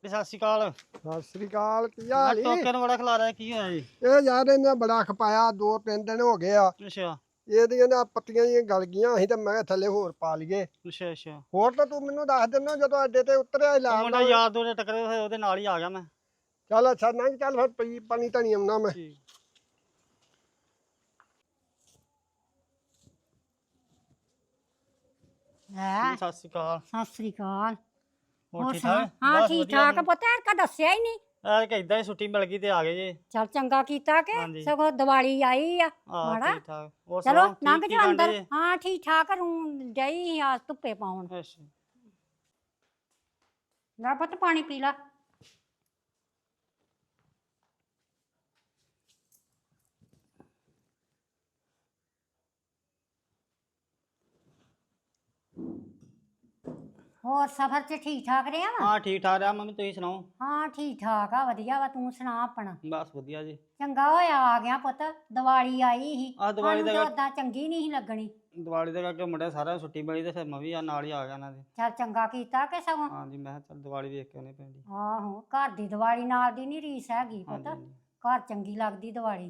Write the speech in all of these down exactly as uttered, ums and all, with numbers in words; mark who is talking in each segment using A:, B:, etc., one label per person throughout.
A: ਸਤਿ ਸ਼੍ਰੀ ਅਕਾਲ।
B: ਸਤਿ ਸ੍ਰੀ ਅਕਾਲ। ਕੀ ਹਾਲ ਈ?
A: ਟੋਕੇ ਨੂੰ ਬੜਾ ਖਿਲਾ ਰਿਹਾ, ਕੀ ਹੋਇਆ ਜੀ?
B: ਇਹ ਯਾਰ ਇਹਨੇ ਬੜਾ ਖਪਾਇਆ, ਦੋ ਤਿੰਨ ਦਿਨ ਹੋ ਗਏ ਆ।
A: ਅੱਛਾ
B: ਇਹਦੀਆਂ ਨਾ ਪੱਤੀਆਂ ਜਿਹੀਆਂ ਗਲ ਗਈਆਂ ਸੀ ਤੇ ਮੈਂ ਕਿਹਾ ਥੱਲੇ ਹੋਰ ਪਾ ਲਈਏ।
A: ਅੱਛਾ ਅੱਛਾ।
B: ਹੋਰ ਤਾਂ ਤੂੰ ਮੈਨੂੰ ਦੱਸ ਦਿੰਦਾ ਜਦੋਂ ਅੱਡੇ ਤੇ ਉਤਰਿਆ
A: ਉਹ
B: ਲਾਲ
A: ਮੁੰਡਾ ਯਾਰ ਦੋ ਦੇ ਟੱਕਰੇ ਹੋਏ, ਉਹਦੇ ਨਾਲ ਹੀ ਆ ਗਿਆ ਮੈਂ।
B: ਚੱਲ ਅੱਛਾ ਨਾ ਚੱਲ ਫਿਰ ਪਈ ਪਾਣੀ ਧਣੀ ਆਉਣਾ ਮੈਂ।
A: ਠੀਕ।
C: ਹੈ
A: ਸਤਿ ਸ਼੍ਰੀ ਅਕਾਲ।
C: ਸਤਿ ਸ੍ਰੀ ਅਕਾਲ।
A: ਹੋਰ
C: ਹੋਰ
A: ਠੀਕ
C: ਸੁਣਾ?
A: ਠਾਕ?
C: ਹਾਂ
A: ਬਸ
C: ਠੀਕ
A: ਵਧੀਆ
C: ਠਾਕ
A: ਜੀ।
C: ਪੁੱਤ ਐਨਕਾ ਦੱਸਿਆ ਹੀ ਨਹੀਂ।
A: ਐ ਕਿ ਇਦਾਂ ਹੀ ਛੁੱਟੀ ਮਿਲ ਗਈ ਤੇ ਆ ਗਏ ਜੀ।
C: ਚੱਲ ਚੰਗਾ ਕੀਤਾ ਕਿ
A: ਹਾਂਜੀ।
C: ਸਗੋਂ ਦੀਵਾਲੀ ਆਈ ਆ
A: ਆ
C: ਮਾੜਾ।
A: ਠੀਕ ਠਾਕ। ਹੋਰ
C: ਚਲੋ
A: ਸੁਣਾਓ,
C: ਲੰਘ
A: ਠੀਕ ਕੀ
C: ਜਾ
A: ਕਰਦੇ
C: ਅੰਦਰ।
A: ਜੀ?
C: ਹਾਂ ਠੀਕ ਠਾਕ ਰੂ ਡਈ ਆ ਧੁੱਪੇ ਪਾਉਣ।
A: ਅੱਛਾ।
C: ਲੈ ਪੁੱਤ ਪਾਣੀ ਪੀ ਲਾ। ਹੋਰ ਸਫ਼ਰ 'ਚ ਠੀਕ ਠਾਕ ਰਿਹਾ ਵਾ?
A: ਹਾਂ ਠੀਕ ਠਾਕ ਰਿਹਾ ਮੰਮੀ, ਤੁਸੀਂ ਸੁਣਾਓ?
C: ਹਾਂ ਠੀਕ ਠਾਕ ਆ, ਵਧੀਆ ਵਾ। ਤੂੰ ਸੁਣਾ ਆਪਣਾ?
A: ਬਸ ਵਧੀਆ ਜੀ।
C: ਚੰਗਾ ਹੋਇਆ ਆ ਗਿਆ ਪੁੱਤ, ਦੀਵਾਲੀ ਆਈ ਸੀ।
A: ਆਹ ਦੀਵਾਲੀ
C: ਸਾਨੂੰ
A: ਦਾ
C: ਤਾਂ ਓਦਾਂ ਚੰਗੀ ਨਹੀਂ ਸੀ ਲੱਗਣੀ।
A: ਦੀਵਾਲੀ ਦੇ ਕਰਕੇ ਮੁੰਡੇ ਸਾਰਿਆਂ ਨੂੰ ਛੁੱਟੀ ਮਿਲੀ ਤੇ ਫਿਰ ਮੈਂ ਵੀ ਆ ਨਾਲ ਹੀ ਆ ਗਿਆ ਇਹਨਾਂ ਦੇ।
C: ਚੱਲ ਚੰਗਾ ਕੀਤਾ ਕਿ ਸਗੋਂ।
A: ਹਾਂਜੀ ਮੈਂ ਕਿਹਾ ਚੱਲ ਦੀਵਾਲੀ ਵੇਖ ਕੇ ਆਉਣੀ ਪੈਂਦੀ।
C: ਆਹੋ ਘਰ ਦੀ ਦੀਵਾਲੀ ਨਾਲ ਦੀ ਨਹੀਂ ਰੀਸ ਹੈਗੀ ਪੁੱਤ।
A: ਹਾਂਜੀ ਹਾਂਜੀ।
C: ਘਰ ਚੰਗੀ ਲੱਗਦੀ ਦੀਵਾਲੀ।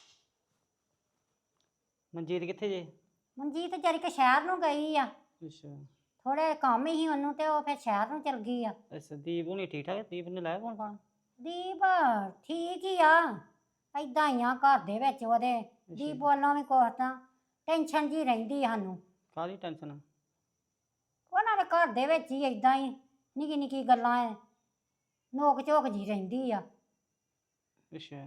A: ਮਨਜੀਤ ਕਿੱਥੇ ਜੇ?
C: ਮਨਜੀਤ ਜਰੀ ਕਿ ਸ਼ਹਿਰ ਨੂੰ ਗਈ ਆ,
A: ਅੱਛਾ
C: ਥੋੜੇ ਕੰਮ ਹੀ ਉਹਨੂੰ ਤੇ ਉਹ ਫਿਰ ਸ਼ਹਿਰ ਨੂੰ ਚਲ ਗਈ ਆ।
A: ਅੱਛਾ। ਦੀਪ ਹੁਣੀ ਠੀਕ ਠਾਕ? ਦੀਪ ਨੇ ਲਾਇਆ ਫੋਨ ਫਾਨ?
C: ਦੀਪ ਠੀਕ ਹੀ ਆ, ਏਦਾਂ ਹੀ ਆ ਘਰ ਦੇ ਵਿੱਚ ਉਹਦੇ। ਦੀਪ ਵੱਲੋਂ ਵੀ ਕੁਛ ਤਾਂ ਟੈਨਸ਼ਨ ਜੀ ਰਹਿੰਦੀ ਸਾਨੂੰ।
A: ਕਾਹਦੀ ਟੈਨਸ਼ਨ?
C: ਉਹਨਾਂ ਦੇ ਘਰ ਦੇ ਵਿੱਚ ਹੀ ਏਦਾਂ ਹੀ ਨਿੱਕੀ ਨਿੱਕੀ ਗੱਲਾਂ ਐ, ਨੋਕ ਝੋਕ ਜੀ ਰਹਿੰਦੀ ਆ।
A: ਅੱਛਾ।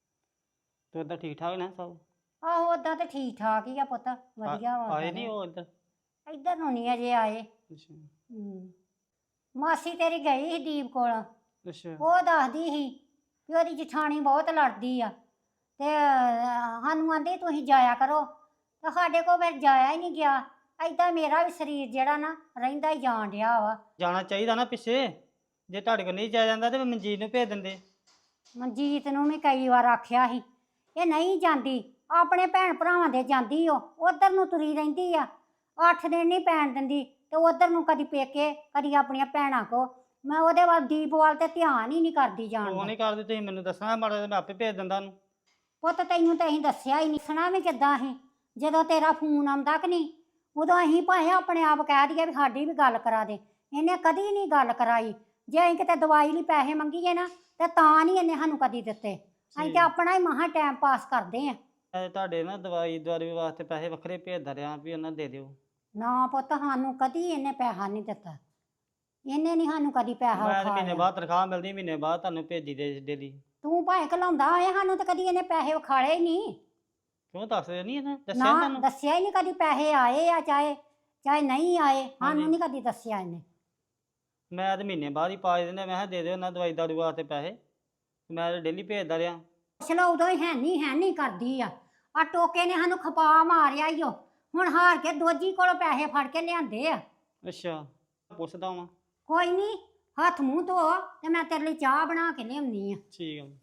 A: ਤੇ ਓਦਾਂ ਠੀਕ ਠਾਕ ਨੇ ਸਭ?
C: ਆਹੋ ਓਦਾਂ ਤੇ ਠੀਕ ਠਾਕ ਹੀ ਆ ਪੁੱਤ, ਵਧੀਆ ਵਾ।
A: ਆਏ ਨਹੀਂ ਉਹ ਇੱਧਰ?
C: ਇੱਧਰ ਨੂੰ ਨਹੀਂ ਅਜੇ ਆਏ।
A: ਅੱਛਾ
C: ਹੂੰ। ਮਾਸੀ ਤੇਰੀ ਗਈ ਸੀ ਦੀਪ ਕੋਲ,
A: ਅੱਛਾ।
C: ਉਹ ਦੱਸਦੀ ਸੀ ਕਿ ਉਹਦੀ ਜਠਾਣੀ ਬਹੁਤ ਲੜਦੀ ਆ ਤੇ ਸਾਨੂੰ ਆਂਦੀ ਤੁਸੀਂ ਜਾਇਆ ਕਰੋ, ਤੇ ਸਾਡੇ ਕੋਲ ਫਿਰ ਜਾਇਆ ਹੀ ਨਹੀਂ ਗਿਆ। ਏਦਾਂ ਮੇਰਾ ਵੀ ਸਰੀਰ ਜਿਹੜਾ ਨਾ ਰਹਿੰਦਾ ਹੀ ਜਾਣ ਡਿਆ ਵਾ।
A: ਜਾਣਾ ਚਾਹੀਦਾ ਨਾ ਪਿੱਛੇ, ਜੇ ਤੁਹਾਡੇ ਕੋਲ ਨਹੀਂ ਜਾਇਆ ਜਾਂਦਾ ਤੇ ਮਨਜੀਤ ਨੂੰ ਭੇਜ ਦਿੰਦੇ।
C: ਮਨਜੀਤ ਨੂੰ ਵੀ ਕਈ ਵਾਰ ਆਖਿਆ ਸੀ, ਇਹ ਨਹੀਂ ਜਾਂਦੀ, ਆਪਣੇ ਭੈਣ ਭਰਾਵਾਂ ਦੇ ਜਾਂਦੀ ਉਹ ਉਧਰ ਨੂੰ ਤੁਰੀ ਰਹਿੰਦੀ ਆ। ਅੱਠ ਦਿਨ ਨਹੀਂ ਪੈਣ ਦਿੰਦੀ ਤੇ ਉਧਰ ਨੂੰ ਕਦੀ ਪੇਕੇ ਕਦੀ ਆਪਣੀਆਂ ਭੈਣਾਂ ਕੋ। ਮੈਂ ਉਹਦੇ ਵੱਲ ਦੀਪ ਵੱਲ ਤੇ ਧਿਆਨ ਹੀ ਨਹੀਂ ਕਰਦੀ ਜਾਣ
A: ਉਹ
C: ਦਾ।
A: ਨਹੀਂ ਕਰਦੇ, ਤੁਸੀਂ ਮੈਨੂੰ ਦੱਸਣਾ ਮਾੜਾ ਜਿਹਾ, ਮੈਂ ਆਪੇ ਭੇਜ ਦਿੰਦਾ ਉਹਨੂੰ।
C: ਪੁੱਤ ਤੈਨੂੰ ਤਾਂ ਅਸੀਂ ਦੱਸਿਆ ਹੀ ਨਹੀਂ, ਸੁਣਾ ਵੀ ਕਿੱਦਾਂ ਅਸੀਂ ਜਦੋਂ ਤੇਰਾ ਫੋਨ ਆਉਂਦਾ ਕਿ ਨਹੀਂ ਉਦੋਂ ਅਸੀਂ ਭਾਵੇਂ ਆਪਣੇ ਆਪ ਕਹਿ ਦਈਏ ਵੀ ਸਾਡੀ ਵੀ ਗੱਲ ਕਰਾ ਦੇ। ਇਹਨੇ ਕਦੀ ਨਹੀਂ ਗੱਲ ਕਰਾਈ। ਜੇ ਅਸੀਂ ਕਿਤੇ ਦਵਾਈ ਲਈ ਪੈਸੇ ਮੰਗੀਏ ਨਾ ਤੇ ਤਾਂ ਨਹੀਂ ਇਹਨੇ ਸਾਨੂੰ ਕਦੀ ਦਿੱਤੇ। ਅਸੀਂ ਤੇ ਆਪਣਾ ਹੀ ਮਹਾ ਟਾਈਮ ਪਾਸ ਕਰਦੇ ਆਂ।
A: ਮੈਂ ਤੁਹਾਡੇ ਨਾ ਦਵਾਈ ਦਵਾਈ ਵਾਸਤੇ ਪੈਸੇ ਵੱਖਰੇ ਭੇਜਦਾ ਰਿਹਾ ਵੀ ਉਹਨਾਂ ਦੇ ਦਿਓ।
C: ਨਾ ਪੁੱਤ ਸਾਨੂੰ ਕਦੀ ਇਹਨੇ ਪੈਸਾ ਨਹੀਂ ਦਿੱਤਾ, ਇਹਨੇ ਨਹੀਂ ਸਾਨੂੰ ਕਦੀ ਪੈਸਾ
A: ਮੈਂ ਮਹੀਨੇ
C: ਵਿਖਾਇਆ।
A: ਬਾਅਦ ਤਨਖਾਹ ਮਿਲਦੀ, ਮਹੀਨੇ ਬਾਅਦ ਤੁਹਾਨੂੰ ਭੇਜੀ ਦੇ ਡੇਲੀ।
C: ਤੂੰ ਭਾਵੇਂ ਘਲਾਉਂਦਾ ਹੋਏ, ਸਾਨੂੰ ਤਾਂ ਕਦੀ ਇਹਨੇ ਪੈਸੇ ਵਿਖਾਲੇ ਹੀ ਨਹੀਂ।
A: ਕਿਉਂ ਦੱਸਦੇ ਨਹੀਂ ਇਹਨੇ ਦੱਸਿਆ ਨੀ
C: ਨਾ
A: ਤੁਹਾਨੂੰ?
C: ਦੱਸਿਆ ਹੀ ਨਹੀਂ ਕਦੀ, ਪੈਸੇ ਆਏ ਆ ਚਾਹੇ ਚਾਹੇ ਨਹੀਂ ਆਏ, ਸਾਨੂੰ ਨਹੀਂ ਕਦੀ ਦੱਸਿਆ ਇਹਨੇ।
A: ਮੈਂ ਤੇ ਮਹੀਨੇ ਬਾਅਦ ਹੀ ਪਾ ਦਿੰਦਾ, ਮੈਂ ਕਿਹਾ ਦੇ ਦਿਓ ਉਹਨਾਂ ਦਵਾਈ ਦਾਰੂ ਵਾਸਤੇ ਪੈਸੇ, ਮੈਂ ਤਾਂ ਡੇਲੀ ਭੇਜਦਾ ਰਿਹਾ।
C: ਚਲੋ ਉਦੋਂ ਹੀ ਹੈ ਨਹੀਂ ਹੈ ਨਹੀਂ ਕਰਦੀ ਆ। ਆ ਟੋਕੇ ਨੇ ਸਾਨੂੰ ਖਪਾ ਮਾਰਿਆ ਈ ਓ, ਹੁਣ ਹਾਰ ਕੇ ਦੋਜੀ ਕੋਲੋਂ ਪੈਸੇ ਫੜ ਕੇ ਲਿਆਂਦੇ ਆ।
A: ਅੱਛਾ ਪੁੱਛਦਾ ਵਾਂ।
C: ਕੋਈ ਨਹੀਂ, ਹੱਥ ਮੂੰਹ ਧੋ ਤੇ ਮੈਂ ਤੇਰੇ ਲਈ ਚਾਹ ਬਣਾ ਕੇ ਲਿਆਉਣੀ ਆ।
A: ਠੀਕ ਆ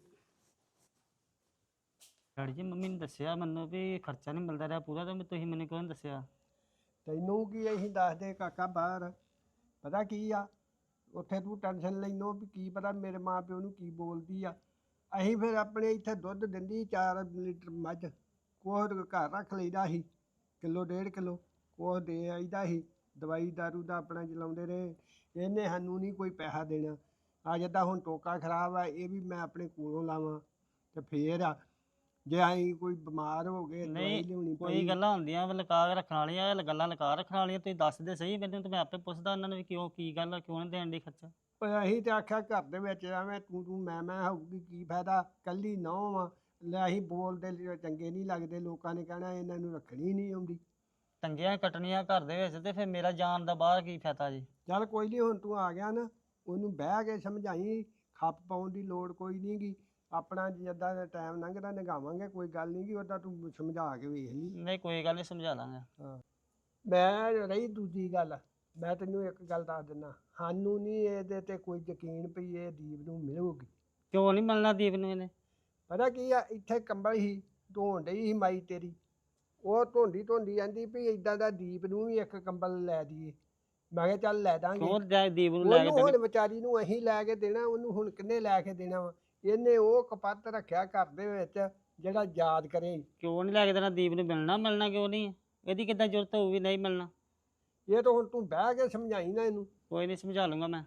A: ਡੈਡੀ ਜੀ, ਮੰਮੀ ਨੇ ਦੱਸਿਆ ਮੈਨੂੰ ਵੀ ਖਰਚਾ ਨਹੀਂ ਮਿਲਦਾ ਰਿਹਾ ਪੂਰਾ, ਤਾਂ ਤੁਸੀਂ ਮੈਨੂੰ ਕਿਉਂ ਨੀ ਦੱਸਿਆ?
B: ਤੈਨੂੰ ਕੀ ਅਸੀਂ ਦੱਸਦੇ ਕਾਕਾ ਬਾਹਰ, ਪਤਾ ਕੀ ਆ ਉੱਥੇ ਤੂੰ ਟੈਨਸ਼ਨ ਲੈਨੋ ਵੀ ਕੀ ਪਤਾ ਮੇਰੇ ਮਾਂ ਪਿਓ ਨੂੰ ਕੀ ਬੋਲਦੀ ਆ। ਅਸੀਂ ਫਿਰ ਆਪਣੇ ਇੱਥੇ ਦੁੱਧ ਦਿੰਦੀ ਚਾਰ ਲੀਟਰ ਮੱਝ, ਕੋਹ ਘਰ ਰੱਖ ਲਈਦਾ ਸੀ, ਕਿਲੋ ਡੇਢ ਕਿਲੋ ਕੋਹ ਦੇ ਆਈਦਾ ਸੀ। ਦਵਾਈ ਦਾਰੂ ਦਾ ਆਪਣਾ ਚਲਾਉਂਦੇ ਰਹੇ। ਇਹਨੇ ਸਾਨੂੰ ਨਹੀਂ ਕੋਈ ਪੈਸਾ ਦੇਣਾ। ਆ ਜਿੱਦਾਂ ਹੁਣ ਟੋਕਾ ਖਰਾਬ ਆ, ਇਹ ਵੀ ਮੈਂ ਆਪਣੇ ਕੋਲੋਂ ਲਾਵਾਂ ਤੇ ਫੇਰ ਆ ਜੇ ਅਸੀਂ ਕੋਈ ਬਿਮਾਰ ਹੋ ਗਏ ਦਵਾਈ
A: ਨਹੀਂ
B: ਲਿਆਉਣੀ
A: ਕੋਈ
B: ਪਈ।
A: ਗੱਲਾਂ ਹੁੰਦੀਆਂ ਵਾ ਲੁਕਾ ਕੇ ਰੱਖਣ ਵਾਲੀਆਂ, ਇਹ ਗੱਲਾਂ ਲੁਕਾ ਰੱਖਣ ਵਾਲੀਆਂ। ਤੁਸੀਂ ਦੱਸਦੇ ਸਹੀ ਮੈਨੂੰ, ਤੇ ਮੈਂ ਆਪੇ ਪੁੱਛਦਾ ਉਹਨਾਂ ਨੂੰ ਵੀ ਕਿਉਂ, ਕੀ ਗੱਲ ਆ, ਕਿਉਂ ਨਹੀਂ ਦੇਣ ਦੀ ਖਰਚਾ।
B: ਪਰ ਅਸੀਂ ਤੇ ਆਖਿਆ ਘਰ ਦੇ ਵਿੱਚ ਐਵੇਂ ਤੂੰ ਤੂੰ ਮੈਂ ਮੈਂ ਹੋਊਗੀ ਕੀ ਫਾਇਦਾ, ਕੱਲੀ ਨਹੁੰ ਆ ਲੈ। ਅਸੀਂ ਬੋਲਦੇ ਲ- ਚੰਗੇ ਨਹੀਂ ਲੱਗਦੇ, ਲੋਕਾਂ ਨੇ ਕਹਿਣਾ ਇਹਨਾਂ ਨੂੰ ਰੱਖਣੀ ਨਹੀਂ ਆਉਂਦੀ।
A: ਟੰਗੀਆਂ ਕੱਟਣੀਆਂ ਘਰ ਦੇ ਵਿੱਚ, ਤੇ ਫਿਰ ਮੇਰਾ ਜਾਣ ਦਾ ਬਾਹਰ ਕੀ ਫਾਇਦਾ ਜੀ?
B: ਚੱਲ ਕੋਈ ਨਹੀਂ, ਹੁਣ ਤੂੰ ਆ ਗਿਆ ਨਾ, ਉਹਨੂੰ ਬਹਿ ਕੇ ਸਮਝਾਈ, ਖੱਪ ਪਾਉਣ ਦੀ ਲੋੜ ਕੋਈ ਨਹੀਂ ਗੀ। ਆਪਣਾ ਜਿੱਦਾਂ ਦਾ ਟਾਈਮ ਲੰਘਦਾ ਨਿਗਾਵਾਂਗੇ, ਕੋਈ ਗੱਲ ਨਹੀਂ ਗੀ। ਉਹਦਾ ਤੂੰ ਸਮਝਾ ਕੇ ਵੇਖ ਲਈ।
A: ਨਹੀਂ ਕੋਈ ਗੱਲ ਨਹੀਂ, ਸਮਝਾ ਦਾਂਗਾ।
B: ਹਾਂ ਮੈਂ ਰਹੀ ਦੂਜੀ ਗੱਲ, ਮੈਂ ਤੈਨੂੰ ਇੱਕ ਗੱਲ ਦੱਸ ਦਿੰਦਾ, ਸਾਨੂੰ ਨਹੀਂ ਇਹਦੇ ਤੇ ਕੋਈ ਯਕੀਨ ਪਈ ਇਹ ਦੀਪ ਨੂੰ ਮਿਲੂਗੀ।
A: ਕਿਉਂ ਨਹੀਂ ਮਿਲਣਾ ਦੀਪ ਨੂੰ ਇਹਨੇ?
B: ਪਤਾ ਕੀ ਆ, ਇੱਥੇ ਕੰਬਲ ਹੀ ਧੋਣ ਡਈ ਸੀ ਮਾਈ ਤੇਰੀ, ਉਹ ਧੋਂਦੀ ਧੋਂਦੀ ਕਹਿੰਦੀ ਵੀ ਇੱਦਾਂ ਦਾ ਦੀਪ ਨੂੰ ਵੀ ਇੱਕ ਕੰਬਲ ਲੈ ਦਈਏ। ਮੈਂ ਕਿਹਾ ਚੱਲ ਲੈ ਦਾਂਗੇ।
A: ਕਿਉਂ ਜਾ ਦੀਪ ਨੂੰ ਲੈ ਕੇ
B: ਉਹਨੂੰ ਹੁਣ
A: ਦੇਣੀ?
B: ਵਿਚਾਰੀ ਨੂੰ ਅਸੀਂ ਲੈ ਕੇ ਦੇਣਾ, ਉਹਨੂੰ ਹੁਣ ਕਿੰਨੇ ਲੈ ਕੇ ਦੇਣਾ ਵਾ? ਇਹਨੇ ਉਹ ਕਪੱਤ ਰੱਖਿਆ ਘਰ ਦੇ ਵਿੱਚ ਜਿਹੜਾ ਯਾਦ ਕਰੇ।
A: ਕਿਉਂ ਨਹੀਂ ਲੈ ਕੇ ਦੇਣਾ? ਦੀਪ ਨੂੰ ਮਿਲਣਾ ਮਿਲਣਾ ਕਿਉਂ ਨਹੀਂ? ਇਹਦੀ ਕਿੱਦਾਂ ਜ਼ਰੂਰਤ ਹੋਊਗੀ ਨਹੀਂ ਮਿਲਣਾ?
B: ਇਹ ਤਾਂ ਹੁਣ ਤੂੰ ਬਹਿ ਕੇ ਸਮਝਾਈ ਨਾ ਇਹਨੂੰ।
A: ਕੋਈ ਨਹੀਂ ਸਮਝਾ ਲੂੰਗਾ ਮੈਂ।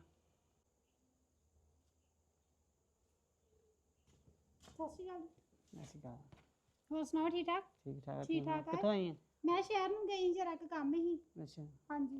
D: ਸਤਿ ਸ਼੍ਰੀ ਅਕਾਲ।
A: ਐਸੀ ਗੱਲ
D: ਹੋਰ ਸੁਣਾਓ ਠੀਕ ਠਾਕ?
A: ਠੀਕ ਠਾਕ ਆ,
D: ਠੀਕ
A: ਤੂੰ
D: ਠਾਕ ਆ।
A: ਕਿੱਥੋਂ ਆਈ ਹੈ?
D: ਮੈਂ ਸ਼ਹਿਰ ਨੂੰ ਗਈ ਜਰਾ ਕੁ ਕੰਮ ਹੀ।
A: ਅੱਛਾ
D: ਹਾਂਜੀ।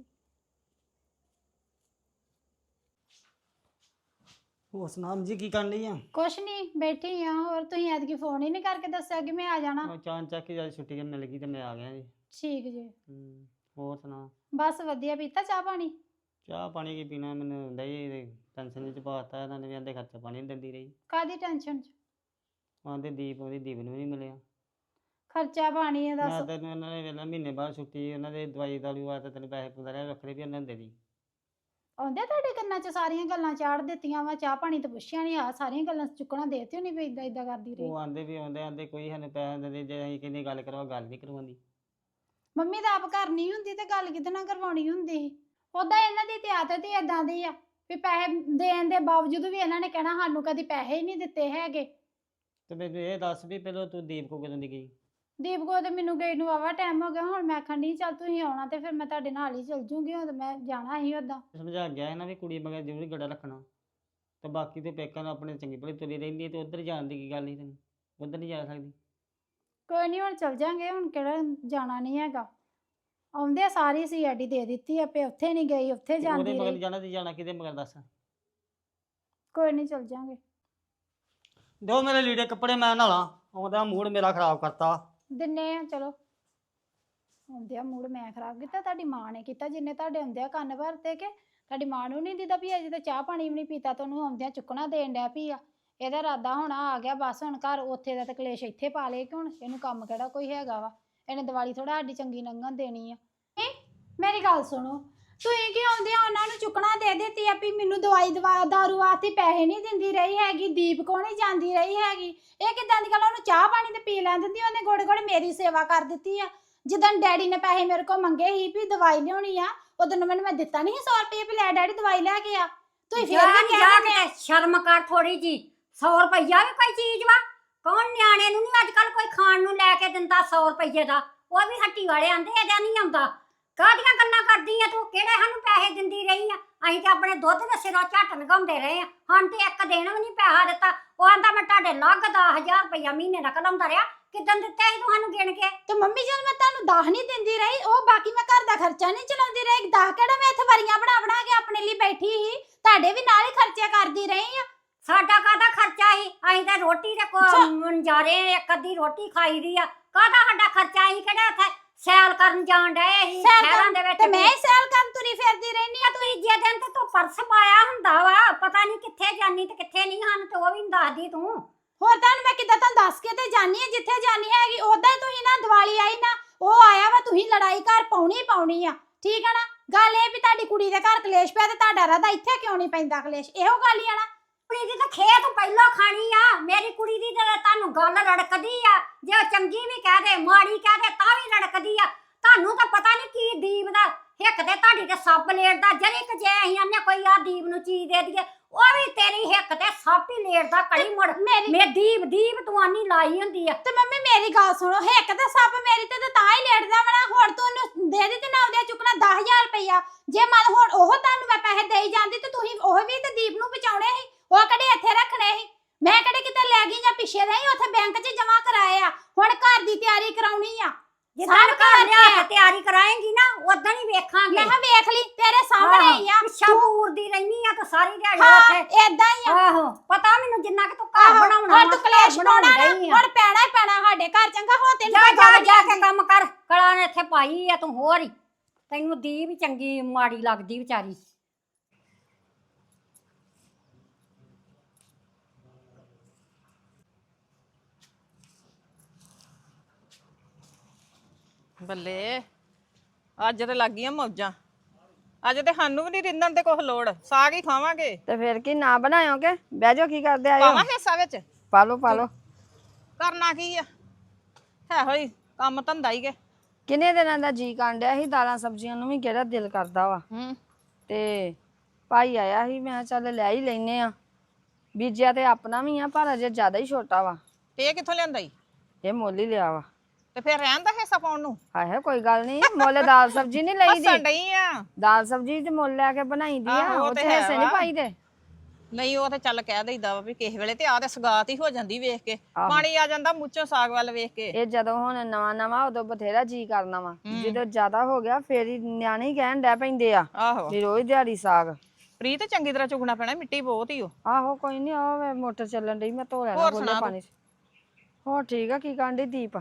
A: ਹੋਰ ਸੁਨਾਮ ਜੀ ਕੀ ਕਰਨ ਲਈ ਆ?
D: ਕੁਛ ਨਹੀਂ ਬੈਠੀ ਆ। ਹੋਰ ਤੁਸੀਂ ਐਤਕੀ ਫੋਨ ਹੀ ਨਹੀਂ ਕਰਕੇ ਦੱਸਿਆ ਕਿ ਮੈਂ ਆ ਜਾਣਾ।
A: ਉਹ ਚਾਂ ਚੱਕ ਕੇ ਜਦ ਛੁੱਟੀ ਮਿਲ ਗਈ ਤੇ ਮੈਂ ਆ ਗਿਆ ਜੀ।
D: ਠੀਕ ਜੀ।
A: ਹੂੰ ਹੋਰ ਸੁਣਾ?
D: ਬਸ ਵਧੀਆ। ਪੀਤਾ ਚਾਹ ਪਾਣੀ?
A: ਚਾਹ ਪਾਣੀ ਕੀ ਪੀਣਾ, ਮੈਨੂੰ ਡਈ ਟੈਨਸ਼ਨ ਚ ਪਾਤਾ ਇਹਨਾਂ ਨੇ ਵੀ ਆਂਦੇ ਖਰਚਾ ਪਾਣੀ ਨਹੀਂ ਦਿੰਦੀ ਰਹੀ।
D: ਕਾਦੀ ਟੈਨਸ਼ਨ ਚ?
A: ਆਂਦੇ ਦੀਪ ਉਹਦੀ ਦੀਪ ਨੂੰ ਨਹੀਂ ਮਿਲਿਆ।
D: ਖਰਚਾ ਪਾਣੀ ਹੈ
A: ਮੈਂ
D: ਦੱਸ।
A: ਤੈਨੂੰ ਇਹਨਾਂ ਨੇ ਵੇਲਾ ਮਹੀਨੇ ਬਾਅਦ ਛੁੱਟੀ, ਉਹਨਾਂ ਦੇ ਦਵਾਈ ਦਾਰੂ ਆ ਤੇ ਤੈਨੂੰ ਪੈਸੇ ਪੁੰਦਾ ਰਿਹਾ ਵੱਖਰੇ ਵੀ ਉਹਨਾਂ ਦੇ ਦੀ।
D: ਆਉਂਦੇ ਤੁਹਾਡੇ ਕੰਨਾਂ 'ਚ ਸਾਰੀਆਂ ਗੱਲਾਂ ਚਾੜ ਦਿੱਤੀਆਂ ਵਾ। ਚਾਹ ਪਾਣੀ ਤਾਂ ਪੁੱਛਿਆ ਨਹੀਂ। ਆ ਸਾਰੀਆਂ ਗੱਲਾਂ ਚੁੱਕਣਾ ਦੇਤੀ ਨਹੀਂ ਵੀ ਇਦਾਂ ਇਦਾਂ ਕਰਦੀ ਰਹੀ।
A: ਉਹ ਆਂਦੇ ਵੀ ਆਉਂਦੇ ਆਂਦੇ ਕੋਈ ਸਾਨੂੰ ਪੈਸੇ ਦਿੰਦੇ, ਜੇ ਅਸੀਂ ਕਹਿੰਦੇ ਗੱਲ ਕਰਵਾ ਗੱਲ ਨਹੀਂ ਕਰਵਾਉਂਦੀ।
D: ਮੰਮੀ ਤਾਂ ਆਪ ਘਰ ਨਹੀਂ ਹੁੰਦੀ ਤੇ ਗੱਲ ਕਿਹਦੇ ਨਾਲ ਕਰਵਾਉਣੀ ਹੁੰਦੀ ਸੀ? ਉਦਾਂ ਇਹਨਾਂ ਦੀ ਤੇ ਆਦਤ ਹੀ ਏਦਾਂ ਦੀ ਆ ਵੀ ਪੈਸੇ ਦੇਣ ਦੇ ਬਾਵਜੂਦ ਵੀ ਇਹਨਾਂ ਨੇ ਕਹਿਣਾ ਸਾਨੂੰ ਕਦੀ ਪੈਸੇ ਹੀ ਨਹੀਂ ਦਿੱਤੇ ਹੈਗੇ।
A: ਤੇ ਮੈਨੂੰ ਇਹ ਦੱਸ ਵੀ ਪਹਿਲਾਂ ਤੂੰ ਦੀਪ ਕੋ ਕਦੋਂ ਦੀ ਗਈ?
D: ਦੀਪ ਕੋ ਤੇ ਮੈਨੂੰ ਗਈ ਨੂੰ ਵਾਵਾ ਟਾਈਮ ਹੋ ਗਿਆ। ਹੁਣ ਮੈਂ ਆਖਣ ਡਈ ਚੱਲ ਤੁਸੀਂ ਆਉਣਾ ਤੇ ਫਿਰ ਮੈਂ ਤੁਹਾਡੇ ਨਾਲ ਹੀ ਚੱਲ ਜੂੰਗੀ। ਹੁਣ ਮੈਂ ਜਾਣਾ ਸੀ ਉਦਾਂ।
A: ਸਮਝਾ ਗਿਆ ਹੈ ਨਾ ਵੀ ਕੁੜੀ ਮਗਰ ਜ਼ਰੂਰ ਗੜਾ ਰੱਖਣਾ, ਤੇ ਬਾਕੀ ਤੇ ਪੇਕਾਂ ਨੂੰ ਆਪਣੇ ਚੰਗੀ ਭਲੀ ਤੁਰੀ ਰਹਿੰਦੀ ਹੈ, ਤੇ ਉੱਧਰ ਜਾਣ ਦੀ ਕੀ ਗੱਲ ਨਹੀਂ? ਤੈਨੂੰ ਉੱਧਰ ਨਹੀਂ ਜਾ ਸਕਦੀ?
D: ਕੋਈ ਨਹੀਂ ਹੁਣ ਚੱਲ ਜਾਂਗੇ। ਹੁਣ ਕਿਹੜਾ ਜਾਣਾ ਨਹੀਂ ਹੈਗਾ। ਆਉਂਦੇ ਸਾਰੀ ਸੀ ਆਡੀ ਦੇ ਦਿੱਤੀ ਆਪੇ। ਉੱਥੇ ਨਹੀਂ ਗਈ ਉੱਥੇ
A: ਤੇ ਉਹਦੇ
D: ਜਾਂਦੀ
A: ਮਗਰ
D: ਰਹੀ।
A: ਜਾਣਾ ਤੇ ਜਾਣਾ ਕਿਹਦੇ ਮਗਰ ਦੱਸ?
D: ਕੋਈ ਨਹੀਂ ਚੱਲ ਜਾਂਗੇ।
A: ਦਿਓ ਮੇਰੇ ਲੀੜੇ ਕੱਪੜੇ, ਮੈਂ ਨਾਲਾਂ। ਆਉਂਦਾ ਮੂਡ ਮੇਰਾ ਖਰਾਬ ਕਰਤਾ।
D: ਦਿੰਨੇ ਆ ਚਲੋ। ਆਉਂਦਿਆ ਮੂਡ ਮੈਂ ਖਰਾਬ ਕੀਤਾ? ਤੁਹਾਡੀ ਮਾਂ ਨੇ ਕੀਤਾ ਜਿੰਨੇ ਤੁਹਾਡੇ ਆਉਂਦਿਆ ਕੰਨ ਭਰਤੇ। ਕਿ ਤੁਹਾਡੀ ਮਾਂ ਨੂੰ ਨਹੀਂ ਦਿੱਤਾ ਵੀ ਅਜੇ ਤਾਂ ਚਾਹ ਪਾਣੀ ਵੀ ਨਹੀਂ ਪੀਤਾ ਤੇ ਉਹਨੂੰ ਆਉਂਦਿਆਂ ਚੁੱਕਣਾ ਦੇਣ ਡਿਆ ਪਈ ਆ। ਇਹਦਾ ਇਰਾਦਾ ਹੋਣਾ ਆ ਗਿਆ ਬਸ ਹੁਣ ਘਰ। ਉੱਥੇ ਦਾ ਤਾਂ ਕਲੇਸ਼ ਇੱਥੇ ਪਾ ਲਏ ਕਿ ਹੁਣ ਇਹਨੂੰ ਕੰਮ ਕਿਹੜਾ ਕੋਈ ਹੈਗਾ ਵਾ? ਇਹਨੇ ਦੀਵਾਲੀ ਥੋੜਾ ਸਾਡੀ ਚੰਗੀ ਲੰਘਣ ਦੇਣੀ ਆ। ਮੇਰੀ ਗੱਲ ਸੁਣੋ, ਤੁਸੀਂ ਕੀ ਆਉਂਦਿਆਂ ਉਹਨਾਂ ਨੂੰ ਚੁੱਕਣਾ ਦੇ ਦਿੱਤੀ ਆ ਵੀ ਮੈਨੂੰ ਦਵਾਈ ਦਵਾ ਦਾਰੂ ਵਾਸਤੇ ਪੈਸੇ ਨਹੀਂ ਦਿੰਦੀ ਰਹੀ ਹੈਗੀ। ਦੀਪ ਕੋਲ ਨਹੀਂ ਜਾਂਦੀ ਰਹੀ ਹੈਗੀ। ਇਹ ਕਿੱਦਾਂ ਦੀ ਗੱਲ? ਉਹਨੂੰ ਚਾਹ ਪਾਣੀ ਤੇ ਪੀ ਲੈਣ ਦਿੰਦੀ। ਉਹਨੇ ਗੋੜੇ ਗੋੜੇ ਮੇਰੀ ਸੇਵਾ ਕਰ ਦਿੱਤੀ ਆ। ਜਿੱਦਾਂ ਡੈਡੀ ਨੇ ਪੈਸੇ ਮੇਰੇ ਕੋਲ ਮੰਗੇ ਸੀ ਵੀ ਦਵਾਈ ਲਿਆਉਣੀ ਆ, ਉਦੋਂ ਮੈਨੂੰ ਮੈਂ ਦਿੱਤਾ ਨਹੀਂ ਸੌ ਰੁਪਏ ਵੀ ਲੈ ਡੈਡੀ ਦਵਾਈ ਲੈ ਕੇ ਆ। ਤੁਸੀਂ ਫੇਰ ਵੀ ਕਹਿ ਦਿੰਦੇ ਆ।
C: ਸ਼ਰਮ ਕਰ ਥੋੜੀ ਜੀ। ਸੌ ਰੁਪਈਆ ਵੀ ਕੋਈ ਚੀਜ਼ ਵਾ? ਕੌਣ ਨਿਆਣੇ ਨੂੰ ਨਹੀਂ ਅੱਜ ਕੱਲ ਕੋਈ ਖਾਣ ਨੂੰ ਲੈ ਕੇ ਦਿੰਦਾ ਸੌ ਰੁਪਈਏ ਦਾ? ਉਹ ਵੀ ਹੱਟੀ ਵਾਲੇ ਆਂਦੇ ਇਹਦਾ ਨਹੀਂ ਆਉਂਦਾ। ਕਾਹਦੀਆਂ ਗੱਲਾਂ ਕਰਦੀ ਆ ਤੂੰ? ਕਿਹੜੇ ਸਾਨੂੰ ਪੈਸੇ ਦਿੰਦੀ ਰਹੀ ਆ? ਅਸੀਂ ਤੇ ਆਪਣੇ ਦੁੱਧ ਦੇ ਸਿਰੋਂ ਝੱਟ ਲਗਾਉਂਦੇ ਰਹੇ ਆ। ਹਾਂ ਤੇ ਇੱਕ ਦਿਨ ਵੀ ਨਹੀਂ ਪੈਸਾ ਦਿੱਤਾ। ਉਹ ਆਂਦਾ ਮੈਂ ਤੁਹਾਡੇ ਲੱਗ ਦਸ ਹਜ਼ਾਰ ਰੁਪਈਆ ਮਹੀਨੇ ਦਾ ਕਲਾਉਂਦਾ ਰਿਹਾ। ਕਿੱਦਣ ਦਿੱਤੇ ਸੀ ਤੁਹਾਨੂੰ ਗਿਣ ਕੇ?
D: ਤੇ ਮੰਮੀ ਜਦ ਮੈਂ ਤੁਹਾਨੂੰ ਦਸ ਨਹੀਂ ਦਿੰਦੀ ਰਹੀ, ਉਹ ਬਾਕੀ ਮੈਂ ਘਰ ਦਾ ਖਰਚਾ ਨਹੀਂ ਚਲਾਉਂਦੀ ਰਹੀ? ਦਸ ਕਿਹੜਾ ਮੈਂ ਇੱਥੇ ਵਰੀਆਂ ਬਣਾ ਬਣਾ ਕੇ ਆਪਣੇ ਲਈ ਬੈਠੀ ਸੀ? ਤੁਹਾਡੇ ਵੀ ਨਾਲ ਹੀ ਖਰਚੇ ਕਰਦੀ ਰਹੀ ਆ।
C: ਸਾਡਾ ਕਾਹਦਾ ਖਰਚਾ ਸੀ? ਅਸੀਂ ਤਾਂ ਰੋਟੀ ਦੇ ਕੋ ਮੰਜਾਰੇ ਇੱਕ ਅੱਧੀ ਰੋਟੀ ਖਾਈ ਦੀ ਆ। ਕਾਹਦਾ ਸਾਡਾ ਖਰਚਾ? ਅਸੀਂ ਕਿਹੜਾ ਉੱਥੇ ਸੈਲ ਕਰਨ ਜਾਣ ਡਏ ਸੀ ਸ਼ਹਿਰਾਂ ਦੇ ਵਿੱਚ?
D: ਤੇ ਮੈਂ ਹੀ ਸੈਲ ਕਰਨ ਤੁਰੀ ਫਿਰਦੀ ਰਹਿਨੀ ਆ।
C: ਤੀਜੇ ਦਿਨ ਤੇ ਤੂੰ ਪਰਸ ਪਾਇਆ ਹੁੰਦਾ ਵਾ। ਪਤਾ ਨਹੀਂ ਕਿੱਥੇ ਜਾਨੀ ਤੇ ਕਿੱਥੇ ਨਹੀਂ। ਹਨ ਤੇ ਉਹ ਵੀ ਨੀ ਦੱਸਦੀ ਤੂੰ।
D: ਹੋਰ ਤੁਹਾਨੂੰ ਮੈਂ ਕਿੱਦਾਂ ਤੁਹਾਨੂੰ ਦੱਸ ਕੇ ਤੇ ਜਾਨੀ ਆ ਜਿੱਥੇ ਜਾਨੀ ਹੈਗੀ। ਉਦਾਂ ਹੀ ਤੁਸੀਂ ਨਾ ਦੀਵਾਲੀ ਆਈ ਨਾ, ਉਹ ਆਇਆ ਵਾ, ਤੁਸੀਂ ਲੜਾਈ ਘਰ ਪਾਉਣੀ ਪਾਉਣੀ ਆ। ਠੀਕ ਆ ਨਾ? ਗੱਲ ਇਹ ਵੀ ਤੁਹਾਡੀ ਕੁੜੀ ਦੇ ਘਰ ਕਲੇਸ਼ ਪਿਆ ਤੇ ਤੁਹਾਡਾ ਰਾਦਾ ਇੱਥੇ ਕਿਉਂ ਨਹੀਂ ਪੈਂਦਾ ਕਲੇਸ਼? ਇਹੋ ਗੱਲ ਹੀ ਆ ਨਾ।
C: ਕੁੜੀ ਦੀ ਤਾਂ ਖੇਤ ਪਹਿਲਾਂ ਖਾਣੀ ਆ। ਮੇਰੀ ਕੁੜੀ ਦੀ ਤਾਂ ਤੁਹਾਨੂੰ ਗੱਲ ਰੜਕਦੀ ਆ। ਜੇ ਉਹ ਚੰਗੀ ਵੀ ਕਹਿ ਦੇ ਮਾੜੀ ਕਹਿ ਦੇ ਤਾਂ ਵੀ ਰੜਕਦੀ ਆ। ਤੁਹਾਨੂੰ ਤਾਂ ਪਤਾ ਨਹੀਂ ਕੀ ਦੀਪ ਦਾ ਹਿੱਕ ਤੇ ਤੁਹਾਡੀ ਤੇ ਸੱਪ ਲੇਟਦਾ। ਜਰੇ ਕਿ ਜੇ ਅਸੀਂ ਆਨੇ ਕੋਈ ਆ ਦੀਪ ਨੂੰ ਚੀਜ਼ ਦੇ ਦਈਏ, ਉਹ ਵੀ ਤੇਰੀ ਹਿੱਕ ਤੇ ਸੱਪ ਹੀ ਲੇਟਦਾ ਕੜੀ ਮੁੜ।
D: ਮੇਰੀ
C: ਮੇ ਦੀਪ ਦੀਪ ਤੂੰ ਆਨੀ ਲਾਈ ਹੁੰਦੀ ਆ।
D: ਤੇ ਮੰਮੀ ਮੇਰੀ ਗੱਲ ਸੁਣੋ, ਹਿੱਕ ਤੇ ਸੱਪ ਮੇਰੀ ਤੇ ਤਾਂ ਹੀ ਲੇਟਦਾ ਵਣਾ। ਹੁਣ ਤੂੰ ਉਹਨੂੰ ਦੇ ਦਿੱਤੀ ਨਾ ਉਹਦੇ ਚੁੱਕਣਾ ਦਸ ਹਜ਼ਾਰ ਰੁਪਈਆ। ਜੇ ਮੰਨ ਹੁਣ ਉਹ ਤੁਹਾਨੂੰ ਮੈਂ ਪੈਸੇ ਦੇਈ ਜਾਂਦੀ ਤੇ ਤੁਸੀਂ ਉਹ ਵੀ ਤੇ ਦੀਪ ਨੂੰ ਬਚਾਉਣੇ ਸੀ। ਉਹ ਕਿਹੜੇ ਇੱਥੇ ਰੱਖਣੇ ਸੀ? ਮੈਂ ਕਿਹੜੇ ਕਿਤੇ ਲੈ ਗਈ ਜਾਂ ਪਿੱਛੇ ਰਹੀ? ਉੱਥੇ ਬੈਂਕ 'ਚ ਜਮਾ ਕਰਾਏ ਆ। ਹੁਣ ਘਰ ਦੀ ਤਿਆਰੀ ਕਰਾਉਣੀ ਆ।
C: ਜਿੱਦਾਂ ਘਰ ਲਿਆ ਕੇ ਤਿਆਰੀ ਕਰਾਏਂਗੀ ਨਾ ਉਦਾਂ ਹੀ ਵੇਖਾਂਗੇ।
D: ਮੈਂ ਕਿਹਾ ਵੇਖ ਲਈ ਤੇਰੇ ਸਾਹਮਣੇ ਹੀ ਆ।
C: ਸ਼ਾਪੂਰ ਦੀ ਰਹਿਨੀ ਆ ਤਾਂ ਸਾਰੀ ਦਿਹਾੜੀ
D: ਹਾਂ
C: ਉੱਥੇ।
D: ਏਦਾਂ ਹੀ ਆ।
C: ਆਹੋ ਪਤਾ ਮੈਨੂੰ ਜਿੰਨਾ ਕਿ ਤੂੰ ਘਰ ਬਣਾਉਣਾ
D: ਹੁਣ ਤੂੰ ਕਲੇਸ਼ ਪਾਉਣਾ ਨਾ, ਹੁਣ ਪੈਣਾ ਹੀ ਪੈਣਾ ਸਾਡੇ ਘਰ। ਚੰਗਾ ਹੋ ਤੈਨੂੰ
C: ਜਾ ਜਾ ਜਾ ਕੇ ਕੰਮ ਕਰ। ਕਲਾ ਨੇ ਇੱਥੇ ਪਾਈ ਆ ਤੂੰ ਹੋਰ ਹੀ। ਤੈਨੂੰ ਦੀ ਵੀ ਚੰਗੀ ਮਾੜੀ ਲੱਗਦੀ ਵਿਚਾਰੀ।
E: ਬੱਲੇ ਅੱਜ ਤੇ ਲੱਗ ਗਈਆਂ ਮੌਜਾਂ। ਅੱਜ ਤੇ ਸਾਨੂੰ ਵੀ ਨਹੀਂ ਰਿੰਨਣ ਤੇ ਕੁਛ ਲੋੜ। ਸਾਗ ਹੀ ਖਾਵਾਂਗੇ।
F: ਤੇ ਫਿਰ ਕੀ ਨਾ ਬਣਾਇਓਗੇ? ਬਹਿ ਜਾਓ, ਕੀ ਕਰਦੇ ਆਇਓ?
E: ਪਾਵਾਂ ਹਿੱਸਾ ਵਿੱਚ?
F: ਪਾ ਲਓ ਪਾ ਲਓ।
E: ਕਰਨਾ ਕੀ ਆ? ਹੈ ਹੋਈ ਕੰਮ ਧੰਦਾ ਹੀ ਕੇ।
F: ਕਿੰਨੇ ਦਿਨਾਂ ਦਾ ਜੀ ਕਾਂਡਿਆ ਸੀ। ਦਾਲਾਂ ਸਬਜ਼ੀਆਂ ਨੂੰ ਵੀ ਕਿਹੜਾ ਦਿਲ ਕਰਦਾ ਵਾ।
E: ਹੂੰ
F: ਤੇ ਭਾਈ ਆਇਆ ਸੀ, ਮੈਂ ਕਿਹਾ ਚੱਲ ਲੈ ਹੀ ਲੈਨੇ ਆ। ਬੀਜਿਆ ਤੇ ਆਪਣਾ ਵੀ ਆ ਪਰ ਅਜੇ ਜ਼ਿਆਦਾ ਹੀ ਛੋਟਾ ਵਾ।
E: ਤੇ ਇਹ ਕਿੱਥੋਂ ਲਿਆਂਦਾ ਈ?
F: ਇਹ ਮੁੱਲ ਹੀ ਲਿਆ ਵਾ।
E: ਤੇ ਫਿਰ ਰਹਿਣ ਦਾ ਹਿੱਸਾ ਪਾਉਣ ਨੂੰ
F: ਹਾਏ ਕੋਈ ਗੱਲ ਨਹੀਂ, ਮੁੱਲ ਦਾਲ ਸਬਜ਼ੀ ਨਹੀਂ ਲਈ
E: ਹੱਸਣ
F: ਦੀ।
E: ਡਈ ਆ।
F: ਦਾਲ ਸਬਜ਼ੀ ਤੇ ਮੁੱਲ ਲੈ ਕੇ ਬਣਾਈ ਦੀ ਆ,
E: ਆਹੋ, ਉਹ
F: ਉਹ
E: ਤੇ
F: ਤੇ
E: ਹੈ
F: ਹਿੱਸੇ ਨਹੀਂ
E: ਵਾ।
F: ਪਾਈ ਦੇ।
E: ਨਹੀਂ ਉਹ ਤੇ ਚੱਲ ਕਹਿ ਦਈਦਾ ਵਾ ਵੀ ਕਿਸੇ ਵੇਲੇ ਤੇ ਆ ਤੇ ਸਗਾਤ ਹੀ ਹੋ ਜਾਂਦੀ ਵੇਖ ਕੇ।
F: ਆਹੋ।
E: ਪਾਣੀ ਆ ਜਾਂਦਾ ਮੂੰਹੋਂ ਸਾਗ ਵੱਲ ਵੇਖ ਕੇ।
F: ਇਹ ਜਦੋਂ ਹੁਣ ਨਵਾਂ ਨਵਾਂ ਉਦੋਂ ਬਥੇਰਾ ਜੀ ਕਰਨਾ ਵਾ, ਜਦੋਂ ਜ਼ਿਆਦਾ ਹੋ ਗਿਆ ਫੇਰ ਹੀ ਨਿਆਣੇ ਹੀ ਕਹਿਣ ਡੈ ਪੈਂਦੇ ਆ
E: ਆਹੋ
F: ਵੀ ਰੋਜ਼ ਦਿਹਾੜੀ ਸਾਗ।
E: ਪ੍ਰੀਤ ਚੰਗੀ ਤਰ੍ਹਾਂ ਚੁਗਣਾ ਪੈਣਾ, ਮਿੱਟੀ ਬਹੁਤ ਹੀ ਉਹ।
F: ਆਹੋ ਕੋਈ ਨਹੀਂ, ਉਹ ਵੇ ਮੋਟਰ ਚੱਲਣ ਡਈ, ਮੈਂ ਧੋ ਲੈਣਾ
E: ਹੋਰ
F: ਬੋਲੇ
E: ਸੁਣਾ
F: ਪਾਣੀ ਚ। ਹੋਰ ਠੀਕ ਆ, ਕੀ ਕਰਨ ਡਈ ਦੀਪ?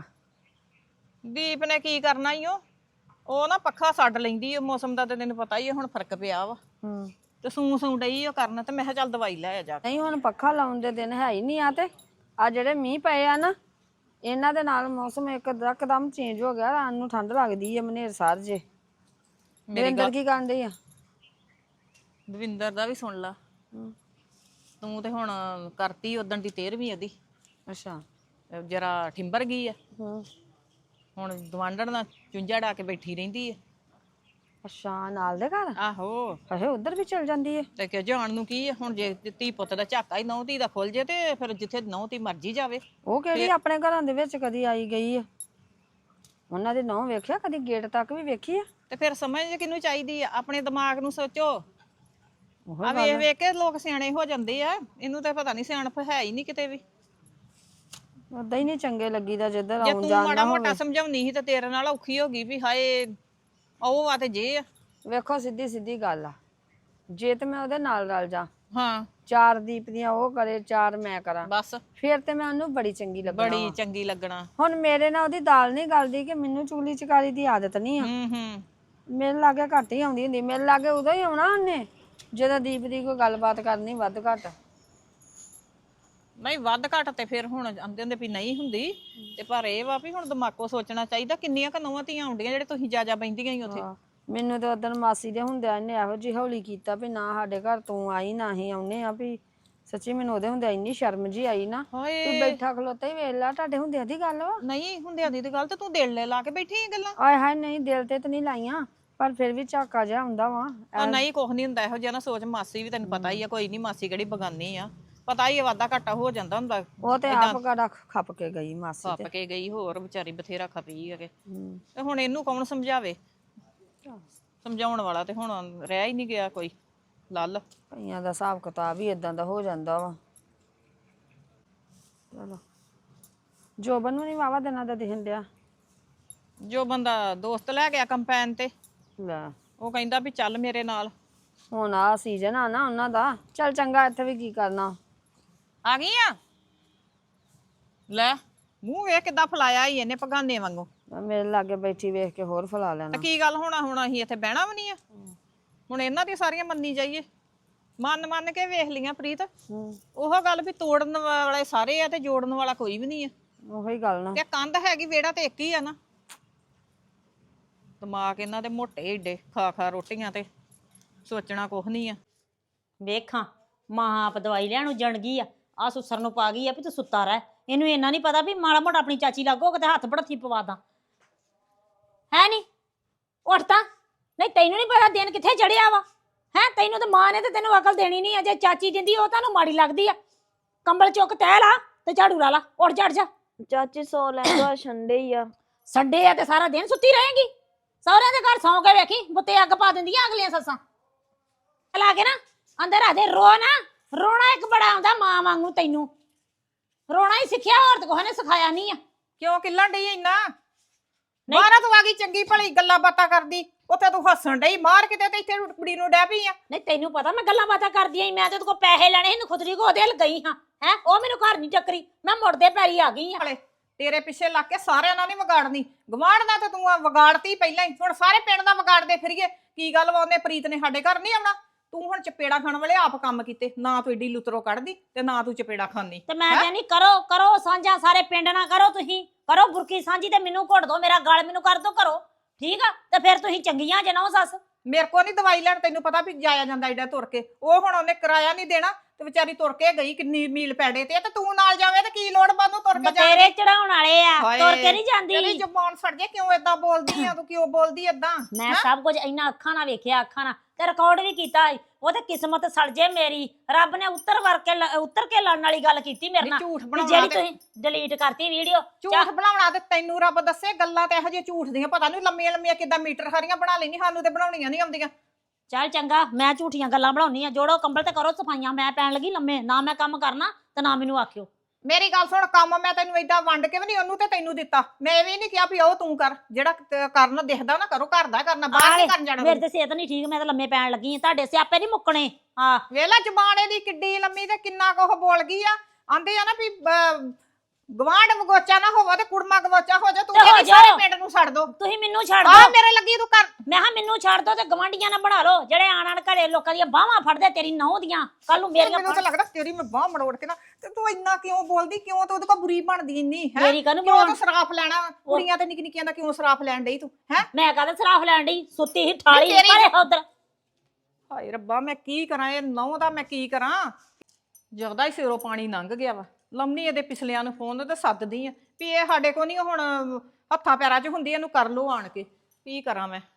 E: ਦੀਪ ਨੇ ਕੀ ਕਰਨਾ ਈ ਉਹ ਉਹ ਨਾ ਪੱਖਾ ਛੱਡ ਲੈਂਦੀ ਓ, ਮੌਸਮ ਦਾ ਤੇ ਤੈਨੂੰ ਪਤਾ ਹੀ ਆ, ਹੁਣ ਫਰਕ ਪਿਆ ਵਾ
F: ਹੂੰ
E: ਤੇ ਸੂ ਸੂ ਡਈ ਉਹ ਕਰਨ, ਤੇ ਮੈਂ ਕਿਹਾ ਚੱਲ ਦਵਾਈ ਲੈ ਆ ਜਾ ਕੇ।
F: ਨਹੀਂ ਹੁਣ ਪੱਖਾ ਲਾਉਣ ਦੇ ਦਿਨ ਹੈ ਹੀ ਨਹੀਂ ਆ, ਤੇ ਆ ਜਿਹੜੇ ਮੀਂਹ ਪਏ ਆ ਨਾ ਇਹਨਾਂ ਦੇ ਨਾਲ ਮੌਸਮ ਇੱਕ ਇੱਕਦਮ ਚੇਂਜ ਹੋ ਗਿਆ। ਰਾਤ ਨੂੰ ਠੰਡ ਲੱਗਦੀ ਹੈ, ਮਨੇਰ ਸਾਰ ਜੇ।
E: ਮੇਰੀ
F: ਅੰਦਰ ਕੀ ਕਰਨ ਡਈ ਆ?
E: ਦਵਿੰਦਰ ਦਾ ਵੀ ਸੁਣ ਲਾ, ਤੂੰ ਤੇ ਹੁਣ ਕਰਤੀ ਉਦਣ ਦੀ ਤੇਰਵੀਂ ਉਹਦੀ,
F: ਅੱਛਾ
E: ਜਰਾ ਠਿੰਬਰ ਗਈ ਆ।
F: ਹੂੰ
E: ਹੁਣ ਦਵਾਂਡਣ ਨਾਲ ਚੁੰਝਾ ਡਾ ਕੇ ਬੈਠੀ ਰਹਿੰਦੀ ਆ।
F: ਅੱਛਾ ਨਾਲ ਦੇ ਘਰ?
E: ਆਹੋ
F: ਅਹੇ ਉਧਰ ਵੀ ਚਲ ਜਾਂਦੀ ਹੈ।
E: ਤੇ ਕਿ ਜਾਣ ਨੂੰ ਕੀ ਆ, ਹੁਣ ਜੇ ਧੀ ਪੁੱਤ ਦਾ ਝਾਕਾ ਹੀ ਨਹੁੰ ਧੀ ਦਾ ਖੁੱਲ ਜੇ ਤੇ ਫਿਰ ਜਿੱਥੇ ਨਹੁੰ ਧੀ ਮਰਜੀ ਜਾਵੇ।
F: ਉਹ ਕਿਹੜੀ ਆਪਣੇ ਘਰਾਂ ਦੇ ਵਿੱਚ ਕਦੀ ਆਈ ਗਈ ਆ? ਉਹਨਾਂ ਦੇ ਨਹੁੰ ਵੇਖਿਆ ਕਦੀ? ਗੇਟ ਤੱਕ ਵੀ ਵੇਖੀ ਆ?
E: ਤੇ ਫਿਰ ਸਮਝ ਕਿਹਨੂੰ ਚਾਹੀਦੀ ਆ? ਆਪਣੇ ਦਿਮਾਗ ਨੂੰ ਸੋਚੋ।
F: ਉਹ
E: ਆ ਵੇਖ ਵੇਖ ਕੇ ਲੋਕ ਸਿਆਣੇ ਹੋ ਜਾਂਦੇ ਆ, ਇਹਨੂੰ ਤਾਂ ਪਤਾ ਨਹੀਂ ਸਿਆਣਪ ਹੈ ਹੀ ਨਹੀਂ ਕਿਤੇ ਵੀ।
F: ਉਦਾਂ ਹੀ ਨਹੀਂ ਚੰਗੇ ਲੱਗੀਦਾ ਜਿੱਧਰ
E: ਜੇ
F: ਆਉਣ
E: ਤੂੰ
F: ਜਾਣ
E: ਮਾੜਾ
F: ਨਾ
E: ਮੋਟਾ
F: ਹੋਵੇ।
E: ਸਮਝਾਉਣੀ ਸੀ ਤੇ ਤੇਰੇ ਨਾਲ ਔਖੀ ਹੋ ਗਈ ਵੀ ਹਾਏ ਉਹ ਆ ਤੇ ਜੇ ਆ।
F: ਵੇਖੋ ਸਿੱਧੀ ਸਿੱਧੀ ਗੱਲ ਆ, ਜੇ ਤੇ ਮੈਂ ਉਹਦੇ ਨਾਲ ਰਲ ਜਾ,
E: ਹਾਂ
F: ਚਾਰ ਦੀਪ ਦੀਆਂ ਉਹ ਕਰੇ, ਚਾਰ ਮੈਂ ਕਰਾਂ,
E: ਬਸ
F: ਫਿਰ ਤੇ ਮੈਂ ਉਹਨੂੰ ਬੜੀ ਚੰਗੀ ਲੱਗਣਾ
E: ਬੜੀ
F: ਵਾ।
E: ਚੰਗੀ ਲੱਗਣਾ।
F: ਹੁਣ ਮੇਰੇ ਨਾਲ ਉਹਦੀ ਦਾਲ ਨਹੀਂ ਗਲਦੀ ਕਿ ਮੈਨੂੰ ਚੁਗਲੀ ਚਕਾਰੀ ਦੀ ਆਦਤ ਨਹੀਂ ਆ।
E: ਹੂੰ ਹੂੰ
F: ਮੇਰੇ ਲਾਗੇ ਘੱਟ ਹੀ ਆਉਂਦੀ ਹੁੰਦੀ, ਮੇਰੇ ਲਾਗੇ ਉਦੋਂ ਹੀ ਆਉਣਾ ਉਹਨੇ ਜਦੋਂ ਦੀਪ ਦੀ ਕੋਈ ਗੱਲਬਾਤ ਕਰਨੀ ਵੱਧ ਘੱਟ।
E: ਨਹੀਂ ਵੱਧ ਘੱਟ ਤੇ ਫਿਰ ਹੁਣ ਆਂਦੇ ਹੁੰਦੇ ਵੀ ਨਹੀਂ ਹੁੰਦੀ, ਤੇ ਪਰ ਇਹ ਵਾ ਵੀ ਹੁਣ ਦਿਮਾਗੋਂ ਸੋਚਣਾ ਚਾਹੀਦਾ। ਕਿੰਨੀਆਂ ਕੁ ਨੌਵਾਂ ਧੀਆਂ ਆਉਂਦੀਆਂ ਜਿਹੜੇ ਤੁਸੀਂ ਜਾ ਜਾ ਬੈਂਦੀਆਂ ਹੀ ਉੱਥੇ।
F: ਮੈਨੂੰ ਤੇ ਉਦੋਂ ਮਾਸੀ ਦੇ ਹੁੰਦਿਆਂ ਇਹਨੇ ਇਹੋ ਜਿਹੀ ਹੌਲੀ ਕੀਤਾ ਵੀ ਨਾ ਸਾਡੇ ਘਰ ਤੂੰ ਆਈ ਨਾ ਹੀ ਆਉਨੇ ਆ। ਵੀ ਸੱਚੀ ਮੈਨੂੰ ਉਹਦੇ ਹੁੰਦਿਆਂ ਇੰਨੀ ਸ਼ਰਮ ਜੀ ਆਈ ਨਾ,
E: ਹਾਏ
F: ਵੀ ਬੈਠਾ ਖਲੋਤਾ ਹੀ ਵੇਖ ਲਾ, ਤੁਹਾਡੇ ਹੁੰਦਿਆਂ ਦੀ ਗੱਲ ਵਾ।
E: ਨਹੀਂ ਹੁੰਦਿਆਂ ਦੀ ਤੇ ਗੱਲ ਤੇ ਤੂੰ ਦਿਲ ਲੈ ਲਾ ਕੇ ਬੈਠੀ ਆ ਗੱਲਾਂ।
F: ਆਏ ਹਾਏ ਨਹੀਂ, ਦਿਲ ਤੇ ਤਾਂ ਨਹੀਂ ਲਾਈਆਂ, ਪਰ ਫਿਰ ਵੀ ਝਾਕਾ ਜਿਹਾ ਹੁੰਦਾ ਵਾ।
E: ਉਹ ਨਹੀਂ ਕੁਛ ਨਹੀਂ ਹੁੰਦਾ ਇਹੋ ਜਿਹਾ ਨਾ ਸੋਚ। ਮਾਸੀ ਵੀ ਤੈਨੂੰ ਪਤਾ ਹੀ ਆ, ਕੋਈ ਨਹੀਂ ਮਾਸੀ ਕਿਹੜੀ ਬਗਾਨੀ ਆ, ਪਤਾ ਹੀ ਆ ਵਾਧਾ ਘਾਟਾ ਹੋ ਜਾਂਦਾ ਹੁੰਦਾ।
F: ਉਹ ਤੇ ਆਪ ਗਾੜਾ ਖੱਪ ਕੇ ਗਈ ਮਾਸੀ
E: ਖੱਪ
F: ਤੇ।
E: ਕੇ ਗਈ, ਹੋਰ ਵਿਚਾਰੀ ਬਥੇਰਾ ਖਪੀ ਹੈਗੇ।
F: ਹੂੰ।
E: ਤੇ ਹੁਣ ਇਹਨੂੰ ਕੌਣ ਸਮਝਾਵੇ? ਸਮਝਾਉਣ ਵਾਲਾ ਤੇ ਹੁਣ ਰਹਿ ਹੀ ਨਹੀਂ ਗਿਆ ਕੋਈ। ਲੱਲ
F: ਕਈਆਂ ਦਾ ਹਿਸਾਬ ਕਿਤਾਬ ਹੀ ਇਦਾਂ ਦਾ ਹੋ ਜਾਂਦਾ ਵਾ। ਚਲੋ ਜੋਬਨ ਨੂੰ ਨਹੀਂ ਵਾਵਾ ਦਿਨਾਂ ਦਾ ਦਿਖਣ ਡਿਆ।
E: ਜੋ ਬੰਦਾ ਦੋਸਤ ਲੈ ਗਿਆ ਕੰਪੈਨ ਤੇ,
F: ਲੈ
E: ਉਹ ਕਹਿੰਦਾ ਵੀ ਚੱਲ ਮੇਰੇ ਨਾਲ।
F: ਹੁਣ ਆ ਸੀਜ਼ਨ ਆ ਨਾ ਉਹਨਾਂ ਦਾ, ਚੱਲ ਚੰਗਾ, ਇੱਥੇ ਵੀ ਕੀ ਕਰਨਾ।
E: ਆ ਗਈ ਆ ਲੈ, ਮੂੰਹ ਵੇਖ ਕਿੱਦਾਂ ਫਲਾਇਆ ਹੀ ਇਹਨੇ ਪਗਾਨੇ ਵਾਂਗੂ।
F: ਮੇਰੇ ਲਾਗੇ ਬੈਠੀ ਵੇਖ ਕੇ ਹੋਰ ਫਲਾ ਲੈਣਾ।
E: ਤੇ ਕੀ ਗੱਲ ਹੋਣਾ, ਹੁਣ ਅਸੀਂ ਇੱਥੇ ਬਹਿਣਾ ਵੀ ਨਹੀਂ ਆ? ਹੁਣ ਇਹਨਾਂ ਦੀ ਸਾਰੀਆਂ ਮੰਨੀ ਜਾਈਏ? ਮੰਨ ਮੰਨ ਕੇ ਵੇਖ ਲੀਆਂ ਪ੍ਰੀਤ। ਉਹ ਗੱਲ ਵੀ ਤੋੜਨ ਵਾਲੇ ਸਾਰੇ ਆ ਤੇ ਜੋੜਨ ਵਾਲਾ ਕੋਈ ਵੀ ਨਹੀਂ ਆ।
F: ਉਹੀ ਗੱਲ ਨਾ।
E: ਤੇ ਕੰਧ ਹੈਗੀ, ਵਿਹੜਾ ਤੇ ਇੱਕ ਹੀ ਆ ਨਾ। ਦਿਮਾਗ ਇਹਨਾਂ ਦੇ ਮੋਟੇ ਏਡੇ, ਖਾ ਖਾ ਰੋਟੀਆਂ ਤੇ ਸੋਚਣਾ ਕੁਛ ਨਹੀਂ ਆ।
G: ਵੇਖਾਂ ਮਾਂ ਆਪ ਦਵਾਈ ਲੈਣ ਉੱਜਣ ਗਈ ਆ, ਆ ਸੁਸਰ ਨੂੰ ਪਾ ਗਈ ਆ ਵੀ ਤੂੰ ਸੁੱਤਾ ਰਹਿ। ਇਹਨੂੰ ਇੰਨਾ ਨਹੀਂ ਪਤਾ ਵੀ ਮਾੜਾ ਮੋਟਾ ਆਪਣੀ ਚਾਚੀ ਲੱਗੋ ਕਿਤੇ ਹੱਥ ਬੜਥੀ ਪਵਾ ਦਾਂ। ਹੈ ਨਹੀਂ ਉੱਠ ਤਾਂ। ਨਹੀਂ ਤੈਨੂੰ ਨਹੀਂ ਪਤਾ ਦਿਨ ਕਿੱਥੇ ਚੜਿਆ ਵਾ? ਹੈ ਤੈਨੂੰ ਤਾਂ ਮਾਂ ਨੇ ਤੇ ਤੈਨੂੰ ਅਕਲ ਦੇਣੀ ਨਹੀਂ ਆ। ਜੇ ਚਾਚੀ ਦਿੰਦੀ ਉਹ ਤੁਹਾਨੂੰ ਮਾੜੀ ਲੱਗਦੀ ਆ। ਕੰਬਲ ਚੁੱਕ ਤਹਿ ਲਾ ਤੇ ਝਾੜੂ ਲਾ ਲਾ, ਉੱਠ ਝੜ ਜਾ।
F: ਚਾਚੀ ਸੋ ਲੈਂਦਾ, ਸੰਡੇ ਹੀ ਆ।
G: ਸੰਡੇ ਆ ਤੇ ਸਾਰਾ ਦਿਨ ਸੁੱਤੀ ਰਹੇਗੀ? ਸਹੁਰਿਆਂ ਦੇ ਘਰ ਸੌਂ ਕੇ ਵੇਖੀ, ਬੁੱਤੇ ਅੱਗ ਪਾ ਦਿੰਦੀਆਂ ਅਗਲੀਆਂ ਸੱਸਾਂ। ਲਾ ਕੇ ਨਾ ਅੰਦਰ ਆ ਦੇ, ਰੋ ਨਾ। ਰੋਣਾ ਇੱਕ ਬੜਾ ਆਉਂਦਾ ਮਾਂ ਵਾਂਗੂ, ਤੈਨੂੰ ਰੋਣਾ ਹੀ ਸਿੱਖਿਆ, ਹੋਰ ਤਾਂ ਕੋਈ ਨੇ ਸਿਖਾਇਆ ਨਹੀਂ ਆ।
E: ਕਿਉਂ ਕਿੱਲਣ ਡਈ ਇੰਨਾ? ਬਾਹਰ ਤੂੰ ਆ ਗਈ ਚੰਗੀ ਭਲੀ ਗੱਲਾਂ ਬਾਤਾਂ ਕਰਦੀ, ਉੱਥੇ ਤੂੰ ਹੱਸਣ ਡਈ ਮਾਰ ਕਿਤੇ ਤੇ ਇੱਥੇ ਕੁੜੀ ਨੂੰ ਡੈ ਪਈ ਆ।
G: ਨਹੀਂ ਤੈਨੂੰ ਪਤਾ ਮੈਂ ਗੱਲਾਂ ਬਾਤਾਂ ਕਰਦੀ ਆਂ, ਮੈਂ ਤੇ ਉਹਦੇ ਕੋਲ ਪੈਸੇ ਲੈਣੇ ਸੀ, ਖੁਦਰੀ ਕੋ ਉਹਦੇ ਗਈ ਹਾਂ। ਹੈ ਉਹ ਮੈਨੂੰ ਘਰ ਨਹੀਂ ਟੱਕਰੀ, ਮੈਂ ਮੁੜਦੇ ਪੈਰੀ ਆ ਗਈ ਆ।
E: ਤੇਰੇ ਪਿੱਛੇ ਲੱਗ ਕੇ ਸਾਰਿਆਂ ਨਾਲ ਨਹੀਂ ਵਿਗਾੜਨੀ, ਗਵਾਂਢ ਦਾ ਤੇ ਤੂੰ ਵਿਗਾੜਤੀ ਪਹਿਲਾਂ ਹੀ, ਹੁਣ ਸਾਰੇ ਪਿੰਡ ਦਾ ਵਿਗਾੜਦੇ ਫਿਰੀਏ। ਕੀ ਗੱਲ ਵਾ, ਉਹਨੇ ਪ੍ਰੀਤ ਨੇ ਸਾਡੇ ਘਰ ਨਹੀਂ ਆਉਣਾ? ਤੂੰ ਹੁਣ ਚਪੇੜਾ ਖਾਣ ਵਾਲੇ ਆਪ ਕੰਮ ਕੀਤੇ, ਨਾ ਤੂੰ ਏਡੀ ਲੁਤਰੋ ਕੱਢਦੀ ਤੇ ਨਾ ਤੂੰ ਚਪੇੜਾ ਖਾਂਦੀ।
G: ਤੇ ਮੈਂ ਕਹਿੰਦੀ ਕਰੋ ਕਰੋ ਸਾਂਝਾ, ਸਾਰੇ ਪਿੰਡ ਨਾਲ ਕਰੋ, ਤੁਸੀਂ ਕਰੋ ਬੁਰਕੀ ਸਾਂਝੀ ਤੇ ਮੈਨੂੰ ਘੁੱਟ ਦੋ, ਮੇਰਾ ਗਲ ਮੈਨੂੰ ਕਰ ਦੋ ਕਰੋ, ਠੀਕ ਆ? ਤੇ ਫਿਰ ਤੁਸੀਂ ਚੰਗੀਆਂ ਜੇ ਨਾ ਸੱਸ।
E: ਮੇਰੇ ਕੋ ਨਹੀਂ ਦਵਾਈ ਲੈਣ, ਤੈਨੂੰ ਪਤਾ ਵੀ ਜਾਇਆ ਜਾਂਦਾ ਏਡਾ ਤੁਰ ਕੇ। ਉਹ ਹੁਣ ਉਹਨੇ ਕਿਰਾਇਆ ਨਹੀਂ ਦੇਣਾ ਤੇ ਵਿਚਾਰੀ ਤੁਰ ਕੇ ਗਈ ਕਿੰਨੀ ਮੀਲ ਪੈੜੇ ਤੇ ਤੇ ਤੂੰ ਨਾਲ ਜਾਵੇਂ ਤੇ ਕੀ ਲੋੜ ਬਾਨੂੰ ਤੁਰ ਕੇ ਜਾਣ
G: ਬਤੇਰੇ ਚੜਾਉਣ ਵਾਲੇ ਆ
E: ਹਾਏ,
G: ਤੁਰ ਕੇ ਨਹੀਂ
E: ਤੇਰੀ
G: ਜਾਂਦੀ
E: ਜ਼ਬਾਨ ਸੜ ਜੇ ਕਿਉਂ ਏਦਾਂ ਬੋਲਦੀ ਆ ਤੂੰ ਕਿਉਂ ਬੋਲਦੀ ਏਦਾਂ
G: ਮੈਂ ਸਭ ਕੁਝ ਇੰਨਾ ਅੱਖਾਂ ਨਾਲ ਵੇਖਿਆ ਅੱਖਾਂ ਨਾਲ ਤੇ ਰਿਕਾਰਡ ਵੀ ਕੀਤਾ ਸੀ। ਉਹ ਤੇ ਕਿਸਮਤ ਸੜ ਜੇ ਮੇਰੀ ਰੱਬ ਨੇ ਉੱਤਰ ਵਰ ਕੇ ਲ- ਉੱਤਰ ਕੇ ਲੜਨ ਵਾਲੀ ਗੱਲ ਕੀਤੀ ਮੇਰੇ
E: ਨੀ
G: ਨਾਲ
E: ਝੂਠ
G: ਵੀ
E: ਬਣਾਉਣਾ
G: ਜਿਹੜੀ
E: ਤੇ
G: ਤੁਸੀਂ ਡਿਲੀਟ ਕਰਤੀ ਵੀਡੀਓ
E: ਝੂਠ ਬਣਾਉਣਾ ਤੇ ਤੈਨੂੰ ਰੱਬ ਦੱਸੇ ਗੱਲਾਂ ਤੇ ਇਹੋ ਜਿਹੀਆਂ ਝੂਠ ਦੀਆਂ ਪਤਾ ਨਹੀਂ ਲੰਮੀਆਂ ਲੰਮੀਆਂ ਕਿੱਦਾਂ ਮੀਟਰ ਖਾਰੀਆਂ ਬਣਾ ਲੈਣੀ ਸਾਨੂੰ ਤੇ ਬਣਾਉਣੀਆਂ ਨਹੀਂ ਆਉਂਦੀਆਂ
G: ਚੱਲ ਚੰਗਾ ਮੈਂ ਝੂਠੀਆਂ ਗੱਲਾਂ ਬਣਾਉਣੀ ਆ ਜੋੜੋ ਕੰਬਲ ਤੇ ਕਰੋ ਸਫਾਈਆਂ ਮੈਂ ਪੈਣ ਲੱਗੀ ਲੰਮੇ ਨਾ ਮੈਂ ਕੰਮ ਕਰਨਾ ਤੇ ਨਾ ਮੈਨੂੰ ਆਖਿਓ
E: ਮੇਰੀ ਗੱਲ ਸੁਣ ਕੰਮ ਮੈਂ ਤੈਨੂੰ ਏਦਾਂ ਵੰਡ ਕੇ ਵੀ ਨਹੀਂ ਉਹਨੂੰ ਤੇ ਤੈਨੂੰ ਦਿੱਤਾ ਮੈਂ ਇਹ ਵੀ ਨਹੀਂ ਕਿਹਾ ਵੀ ਉਹ ਤੂੰ ਕਰ ਜਿਹੜਾ ਕ- ਕਰਨ ਦਿਖਦਾ ਨਾ ਕਰੋ ਘਰ ਦਾ ਕਰਨਾ ਬਾਹਰ ਨਹੀਂ ਕਰਨ ਜਾਣਾ
G: ਮੇਰੇ ਤੇ ਸਿਹਤ ਨਹੀਂ ਠੀਕ ਮੈਂ ਤਾਂ ਲੰਮੇ ਪੈਣ ਲੱਗੀ ਆ ਤੁਹਾਡੇ ਸਿਆਪੇ ਨਹੀਂ ਮੁੱਕਣੇ ਹਾਂ
E: ਵੇਲਾ ਜ਼ਬਾਨ ਦੀ ਕਿੱਡੀ ਲੰਮੀ ਤੇ ਕਿੰਨਾ ਕੁ ਬੋਲ ਗਈ ਆ ਆਂਦੇ ਆ ਨਾ ਵੀ ਗਵਾਂਢ ਵਗੋਚਾ ਨਾ ਹੋਵੇ ਤੇ ਕੁੜਮਾ ਗਵੋਚਾ ਹੋ ਜਾ ਤੂੰ
G: ਤੇ ਹੋ
E: ਕਹਿੰਦੀ ਸਾਰੇ
G: ਜਾਓ।
E: ਪਿੰਡ ਨੂੰ ਛੱਡ ਦੋ
G: ਤੁਸੀਂ ਮੈਨੂੰ ਛੱਡ
E: ਆ
G: ਦਿਓ
E: ਮੇਰੇ ਲੱਗੀ ਤੂੰ ਕਰ
G: ਮੈਂ ਹਾਂ ਮੈਨੂੰ ਛੱਡ ਦੋ ਤੇ ਗਵਾਂਢੀਆਂ ਨਾਲ ਬਣਾ ਲਓ ਜਿਹੜੇ ਆਣ ਆਣ ਘਰੇ ਲੋਕਾਂ ਦੀਆਂ ਬਾਹਾਂ ਫੜਦੇ ਤੇਰੀ ਨਹੁੰ ਦੀਆਂ ਕੱਲ ਨੂੰ ਮੇਰੀਆਂ
E: ਮੈਨੂੰ ਤਾਂ ਲੱਗਦਾ ਤੇਰੀ ਮੈਂ ਬਾਹ ਮੜੋੜ ਕੇ ਨਾ ਤੇ ਤੂੰ ਇੰਨਾ ਕਿਉਂ ਬੋਲਦੀ ਕਿਉਂ ਤੂੰ ਉਹਦੇ ਕੋਲ ਬੁਰੀ ਬਣਦੀ ਇੰਨੀ ਹੈ
G: ਮੇਰੀ ਕਾਹਨੂੰ
E: ਕਿਉਂ
G: ਬਣਾਉਣ?
E: ਤੂੰ ਸਰਾਫ ਲੈਣਾ ਕੁੜੀਆਂ ਤੇ ਨਿੱਕੀ ਨਿੱਕੀਆਂ ਦਾ ਕਿਉਂ ਸਰਾਫ ਲੈਣ ਡਈ ਤੂੰ ਹੈ
G: ਮੈਂ ਕਹਦਾ ਸਰਾਫ ਲੈਣ ਡਈ ਸੁੱਤੀ ਸੀ ਠਾਲੀ
E: ਤੇਰੀ-
G: ਪਰੇ ਉਧਰ
E: ਹਾਏ ਰੱਬਾ ਮੈਂ ਕੀ ਕਰਾਂ ਇਹ ਨਹੁੰ ਦਾ ਮੈਂ ਕੀ ਕਰਾਂ ਜਗਦਾ ਹੀ ਸਿਰੋਂ ਪਾਣੀ ਲੰਘ ਗਿਆ ਵਾ ਲੰਮੀ ਇਹਦੇ ਪਿਛਲਿਆਂ ਨੂੰ ਫੋਨ ਤੇ ਸੱਦਦੀ ਆ ਵੀ ਇਹ ਸਾਡੇ ਕੋ ਨਹੀਂ ਹੁਣ ਹੱਥਾਂ ਪੈਰਾਂ 'ਚ ਹੁੰਦੀ ਇਹਨੂੰ ਕਰ ਲੋ ਆਣ ਕੇ ਕੀ ਕਰਾਂ ਮੈਂ